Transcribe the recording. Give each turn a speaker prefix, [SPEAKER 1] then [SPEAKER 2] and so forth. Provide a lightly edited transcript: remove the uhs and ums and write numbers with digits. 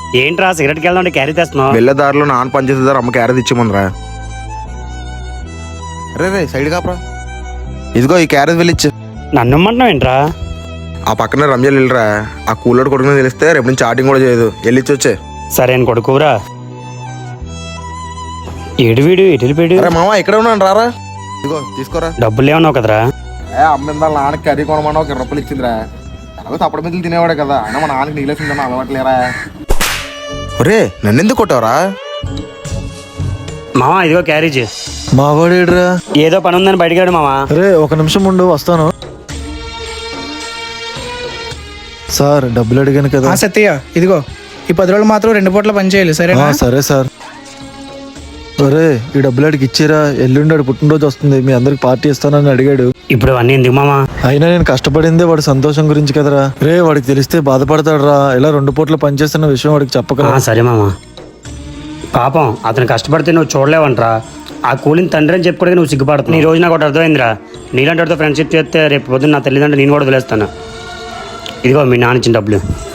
[SPEAKER 1] ఏంట్రా సిగరెట్కి వెళ్దాం క్యారీ తెస్తున్నావు?
[SPEAKER 2] వెళ్ళే దారిలో నాన్న పనిచేసేదారు అమ్మ క్యారెట్ ఇచ్చేమందిరా. రే సైడ్ కాపరా, ఇదిగో ఈ క్యారెట్ వెళ్ళిచ్చు.
[SPEAKER 1] నన్ను ఇమ్మంటున్నావు ఏంట్రా?
[SPEAKER 2] ఆ పక్కనే రంజాన్ వెళ్ళరా, ఆ కూలోడు కొడుకుని తెలిస్తే రేపు నుంచి చాటింగ్ కూడా చేయదు, వెళ్ళిచ్చి వచ్చే.
[SPEAKER 1] సరే అని కొడుకురా. ఏడు వీడు ఎటు వెళ్ళిపోయాడు?
[SPEAKER 2] అరే మామ ఇక్కడ ఉన్నాను రారా, ఇదిగో తీసుకోరా.
[SPEAKER 1] డబ్బులు ఏమన్నావు కదరా?
[SPEAKER 2] అమ్మిందా నాన్నకి కర్రీ కొనమన్నా ఒక 20 రూపాయలు ఇచ్చిందిరా. అలాగే తప్పటి మీద తినేవాడే కదా, అయినా మా నాన్నకి నీళ్ళేసిందన్న అలవాట్లేరా. ఒరే నన్ను ఎందుకు కొట్టావరా?
[SPEAKER 1] మామా ఇదిగో క్యారేజ్.
[SPEAKER 3] మావాడేడ్రా?
[SPEAKER 1] ఏదో పని ఉందని బయటికి రాడు మామా.
[SPEAKER 3] అరే ఒక నిమిషం ఉండు, వస్తాను. సార్ డబ్బులు అడిగాను కదా.
[SPEAKER 4] సత్య ఇదిగో ఈ 10 రోజులు మాత్రం 2 పూట్ల పని చేయాలి సరేనా?
[SPEAKER 3] సరే సార్. అరే ఈ డబ్బులు అడిగి ఇచ్చిరా, ఎల్లుండి వాడు పుట్టినరోజు వస్తుంది, మీ అందరికి పార్టీ ఇస్తానని అడిగాడు.
[SPEAKER 1] ఇప్పుడు అవన్నీ ఎందుకు మామా?
[SPEAKER 3] అయినా నేను కష్టపడిందే వాడి సంతోషం గురించి కదరా. రే వాడికి తెలిస్తే బాధపడతాడు రా, ఇలా 2 పూట్ల పనిచేస్తున్న విషయం వాడికి చెప్పకరా.
[SPEAKER 1] సరే మామా. పాపం అతను కష్టపడితే నువ్వు చూడలేవంట్రా. ఆ కూలిని తండ్రి అని చెప్పుకోవడానికి నువ్వు సిగ్గుపడుతున్నావు. ఈ రోజు నాకు ఒకటి అర్థమైందిరా, నీలాంటి వాడితో ఫ్రెండ్షిప్ చేస్తే రేపు పొద్దున్న నా తల్లిదండ్రులు నేను కూడా వదిలేస్తాను. ఇదిగో మీ నాన్న ఇచ్చిన డబ్బులు.